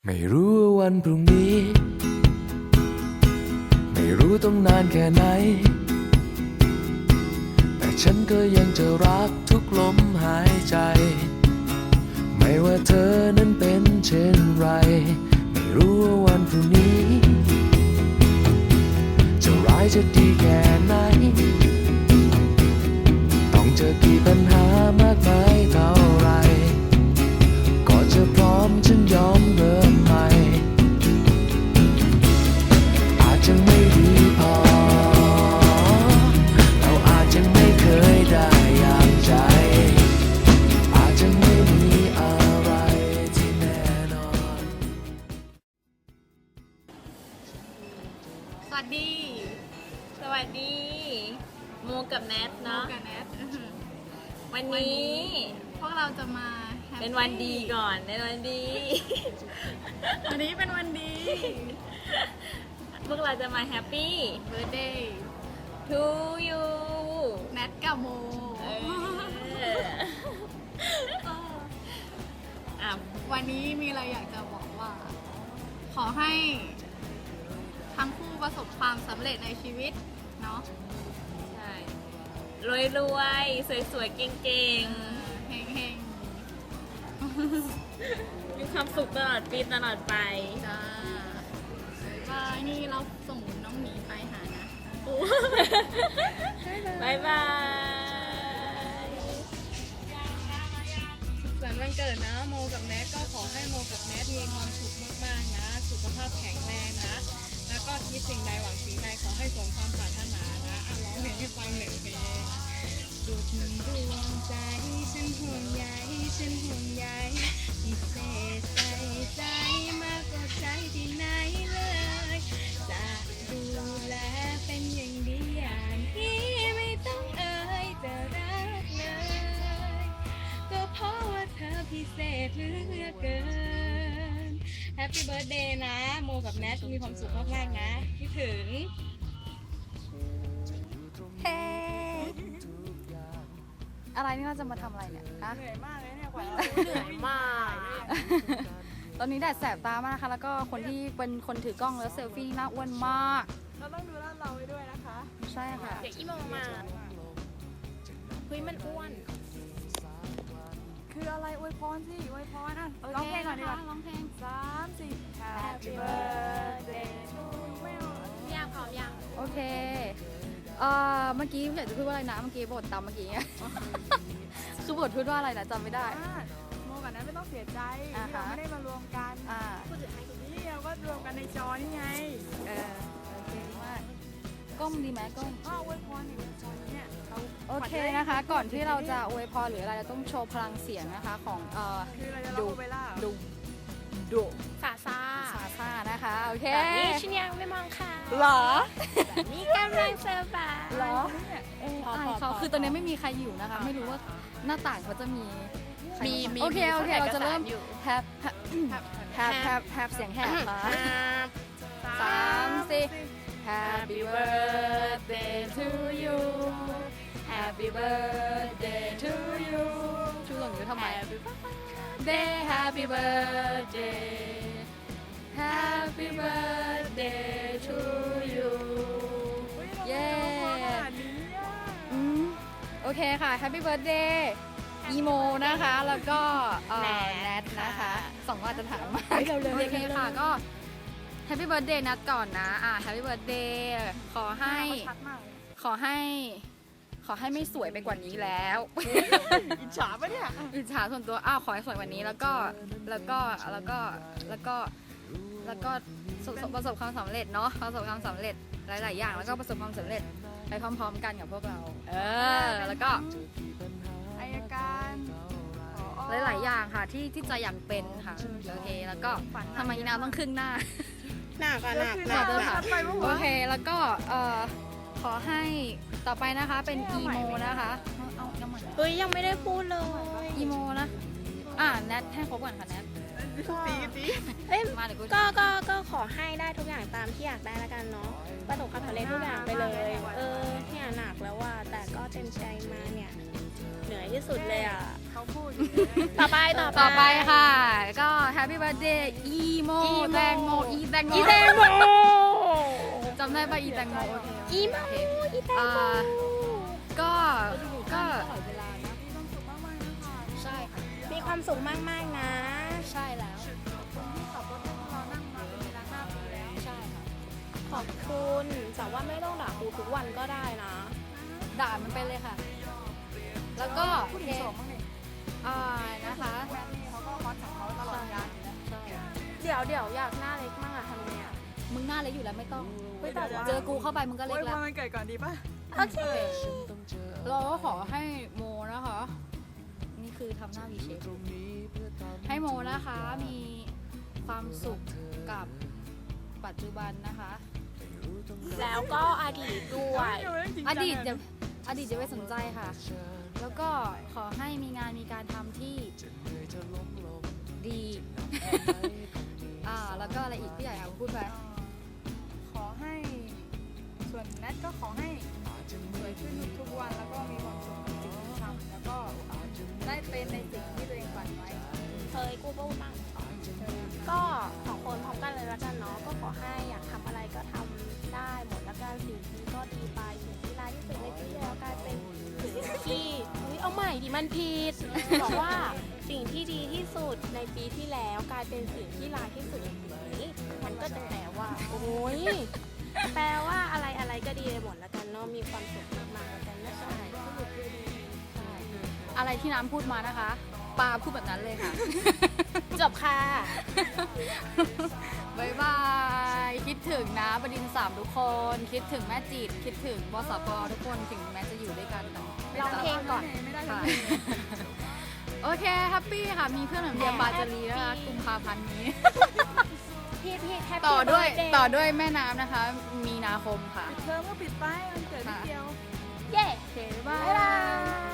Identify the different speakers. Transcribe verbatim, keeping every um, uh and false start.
Speaker 1: ไม่รู้ว่าวันพรุ่งนี้ไม่รู้ต้องนานแค่ไหนแต่ฉันก็ยังจะรักทุกลมหายใจไม่ว่าเธอนั้นเป็นเช่นไรไม่รู้ว่าวันพรุ่งนี้จะร้ายจะดีแค่ไหนต้องเจอกี่ปัญหามากมายเท่าไรก็จะพร้อมฉันยอมเริ่มใหม่อาจจะไม่ดีพอเราอาจจะไม่เคยได้อย่างใจอาจจะไม่มีอะไรที่แน่นอน
Speaker 2: สวัสดี
Speaker 3: สวัสดีโมกับแนท
Speaker 2: น้อ
Speaker 3: เนาะ
Speaker 2: งกับแนท
Speaker 3: วันนี้
Speaker 2: พวกเราจะมา happy
Speaker 3: เป็นวันดีก่อนเป็นวันดี
Speaker 2: วันนี้เป็นวันดี
Speaker 3: พวกเราจะมาแฮปปี้
Speaker 2: birthday
Speaker 3: to you
Speaker 2: แนทกับโม
Speaker 3: เอออ่ะ
Speaker 2: วันนี้มีอะไรอยากจะบอกว่า ขอให้ทั้งคู่ประสบความสำเร็จในชีวิตเนาะ
Speaker 3: ใช่รวยรวยสวยสวยๆเก่งเก่ง
Speaker 2: เฮงเฮง
Speaker 3: ๆมีความสุขตลอดปีตลอดไป
Speaker 2: ๆจ้าบายนี่เราส่งน้องหมีไปหานะโอ้
Speaker 3: บายบาย
Speaker 4: ส่วนวันเกิดนะโมกับแนทก็ขอให้โมกับแนทมีความสุขมากๆนะสุขภาพแข็งแรงนะแล้วก็คิดสิ่งใดหวังสิ่งใดขอให้สมความปรารถนานะอ่ะร้องเพลงให้ฟังหนึ่งเพลงสุดดวงใจฉันห่วงใยฉันห่วงใยพิเศษใส่ใจมากกว่าใครที่ไหนเลยจะดูแลเป็นอย่างดีอย่างที่ไม่ต้องเอ่ยจะรักเลยก็เพราะว่าเธอพิเศษเหลือเกิน Happy Birthday นะโมกับแนทมีความสุขมากๆนะคิดถึง
Speaker 2: เฮ้อะไรนี่เราจะมาทำอะไรเนี่ยฮะ
Speaker 4: เหนื่อยมากเลยเนี่ยกว่าเรา
Speaker 3: เหนื่อยมาก
Speaker 2: ตอนนี้แดดแสบตามากนะคะ แล้วก็คนที่เป็นคนถือกล้องแล้วเซลฟี่นี่น่าอ้วนมาก
Speaker 4: เราต้องดูแลเราไว้ด้วยนะคะ
Speaker 2: ใช่ค่ะ
Speaker 3: เดี๋ยวอีโมมาเฮ้ยมันอ้วน
Speaker 4: คืออะไรอวยพรสิอวยพรอ่ะร้องเพลงก่อนดีกว่า
Speaker 2: ร้องเพลง
Speaker 4: สามสี่ Happy birthday to you
Speaker 3: ยากพร้อมยัง
Speaker 2: โอเค เอ่อ เมื่อกี้อยากจะพูดว่าอะไรนะ เมื่อกี้บทตามเมื่อกี้ คือบทพูดว่าอะไรนะจำไม่ได้
Speaker 4: อ่ะโมกับนั้นไม่ต้องเสียใจ
Speaker 2: อ่า
Speaker 4: ที่
Speaker 2: ฮะ
Speaker 4: เราไม่ได้มารวมกัน
Speaker 2: อ่า
Speaker 4: นี่เราก็รวมกันในจอนี่ไง
Speaker 2: เออ โอเคมากกล้องดีไหมกล้อง
Speaker 4: ก็อวยพรอยู่ในจอเนี่ยเรา
Speaker 2: โอเคนะคะ ก่อนที่เราจะอวยพรหรืออะไรเราต้องโชว์พลังเสียงนะคะของเอ่อ
Speaker 4: คือเราจะร้องโอเปร่าเหรอ
Speaker 2: ดุดุ
Speaker 3: สาซา
Speaker 2: ซาซ่านะคะ โอเค
Speaker 3: แบบนี้ฉันยังไม่มองค่ะ
Speaker 2: หรอ
Speaker 3: แบบนี้กำลังเซอร์ไพรส์
Speaker 2: หรอเออ
Speaker 3: พอ
Speaker 2: อาย
Speaker 3: พอ
Speaker 2: เขา
Speaker 3: พอ
Speaker 2: คือตอนนี้ไม่มีใครอยู่นะคะ ไม่รู้ว่าหน้าต่างเขาจะมีใคร
Speaker 3: มีมี
Speaker 2: โอเค โอเค
Speaker 3: มี
Speaker 2: เราจะเริ่ม
Speaker 3: เอกสารอยู่
Speaker 2: แฮปแฮปแฮปแฮปแฮปเสียงแหบมา
Speaker 3: สาม
Speaker 2: สามสี่ Happy birthday to you Happy birthday to you ชูหล่นอยู่ทำไม Day Happy birthday Happy birthday to you เย้ อืมโอเคค่ะ Happy birthday อีโมนะคะ แล้วก็เอ่อแนทนะคะสองคนอาจจะถามมาโอเคค่ะก็ Happy birthday นัดก่อนนะ อ่า Happy birthday ขอให้
Speaker 4: ชัดมากเลย
Speaker 2: ขอให้ ขอให้ไม่สวยไปกว่านี้แล้ว
Speaker 4: อิจฉาปะเนี่ย
Speaker 2: อิจฉาส่วนตัว อ้าว ขอให้สวยกว่านี้ แล้วก็ แล้วก็ แล้วก็ แล้วก็ แล้วก็ประสบประสบความสำเร็จเนาะ ประสบความสำเร็จหลาย ๆ อย่าง แล้วก็ประสบความสำเร็จไปพร้อม ๆ กันกับพวกเรา เออ แล้วก็
Speaker 4: อายการผอ
Speaker 2: หลาย ๆ อย่างค่ะที่ที่ใจอยากเป็นค่ะ โอเค แล้วก็ทำไมอีนาวต้องครึ่งหน้า
Speaker 3: หนักอะหนัก
Speaker 4: คือ
Speaker 3: หนัก
Speaker 4: เรา
Speaker 3: หนั
Speaker 4: ชั
Speaker 3: ก
Speaker 4: ดไปปะ
Speaker 2: โอ
Speaker 4: วะ
Speaker 2: เค แล้วก็เอ่อขอให้ต่อไปนะคะเป็นอีโมนะคะเอาเอาใหม่
Speaker 3: เฮ้ยยังไม่ได้พูดเลย
Speaker 2: อีโมนะ อ่าแนทให้ครบก่อนค่ะแนท
Speaker 4: ตีตี
Speaker 3: เอ้ย
Speaker 2: มาเดี๋ยวกู
Speaker 3: ก็ก็ก็ขอให้ได้ทุกอย่างตามที่อยากได้แล้วกันเนาะประสบความสำเร็จทุกอย่างไปเลย เออเนี่ยหนักแล้วว่าแต่ก็เต็มใจมาเนี่ย
Speaker 5: เหนื่อยที่สุดเลยอ่ะ
Speaker 4: เขาพูด
Speaker 5: ต่อไปต่อไป
Speaker 2: ต่อไปค่ะ ก็ Happy Birthday อีโมแตงโมอีแตงโม
Speaker 5: อีแตงโม
Speaker 2: จำได้ป่ะอีแตงโมโอเค
Speaker 5: อีโม
Speaker 2: โอเค
Speaker 5: อีแตง
Speaker 2: อ่า
Speaker 5: โม
Speaker 2: ก็ก็
Speaker 5: ใช่ค่ะมีความสุขมากๆนะ
Speaker 2: ใช่แล้ว
Speaker 5: ใช่ค่ะขอบคุณแต่ว่าไม่ต้องด่าครูทุกวันก็ได้นะ
Speaker 2: ด่ามันไปเลยค่ะ แล้วก็โอเคอ่านะคะเขาก็ฮอตของเขาตลอดการใช่
Speaker 5: เดี๋ยวเดี๋ยวอยากหน้าเล็กมากอะทำไงอะ
Speaker 2: มึงหน้าเล็กอยู่แล้วไม่ต้อง
Speaker 5: เฮ้ยแต่ว่า
Speaker 2: เจอกูเข้าไปมึงก็เล็
Speaker 4: โอ้
Speaker 2: ก
Speaker 4: ย
Speaker 2: แล้ว
Speaker 4: วันเกิดก่อนดีป่ะ
Speaker 5: โอเค
Speaker 2: เราก็ขอให้โมนะคะ นี่คือทำหน้าวีเชฟให้โมนะคะ มีความสุขกับปัจจุบันนะคะ
Speaker 5: แล้วก็อดีตด้วย
Speaker 2: อดีตจะอดีตจะไม่สนใจค่ะ แล้วก็ขอให้มีงานมีการทำที่ดี อ่า แล้วก็อะไรอีกพี่ใหญ่เอาพูดไป
Speaker 4: ขอให้ส่วนแนทก็ขอให้สวยขึ้นทุกๆวันแล้วก็มีความสุขกับสิ่งที่ทำแล้วก็ได้เป็นในสิ่งที่ตัวเองฝันไว้
Speaker 5: เคยกูพูดมั่งก็สองคนพร้อมกันเลยละกันเนาะก็ขอให้อยากทำอะไรก็ทำได้หมดละกันสิ่งที่ก็ดีไปสิ่งที่ร้ายที่สุดในปีที่แล้วกลายเป็นสิ่งที่เฮ้ยเอาใหม่ดิมันผิดบอกว่าสิ่งที่ดีที่สุดในปีที่แล้วกลายเป็นสิ่งที่ร้ายที่สุดในปีนี้มันก็จะแปลว่าโอ้ยแปลว่าอะไรอะไรก็ดีไปหมดละกันเนาะมีความสุขมากๆละกันนะคะ
Speaker 2: อะไรที่น้ำพูดมานะคะปาพูดแบบนั้นเลยค่ะ
Speaker 5: จบค่ะ
Speaker 2: บายบาย คิดถึงนะบดินทร์สามทุกคน คิดถึงแม่จิต คิดถึงบสปทุกคนถึงแม้จะอยู่ด้วยกันแต่ไม่
Speaker 5: ร้องเพลงก่อน
Speaker 4: ไม่ได้
Speaker 2: ค่ะ โอเคแฮปปี้ค่ะ มีเพื่อนเหมือนเดียมบาจารีนะคะกุมภาพันธ์นี้
Speaker 5: พี่พี่แฮปปี้
Speaker 2: ต่อด้วย
Speaker 5: เบิร์ธเย์
Speaker 2: ต่อด้วยแม่น้ำนะคะ มีนาคมค่ะ
Speaker 4: เทอมก็ปิดไปมันเกิดนิดเดียว
Speaker 5: เย้
Speaker 2: โอเคบ๊ายบา
Speaker 5: บ๊ายบาย
Speaker 2: ย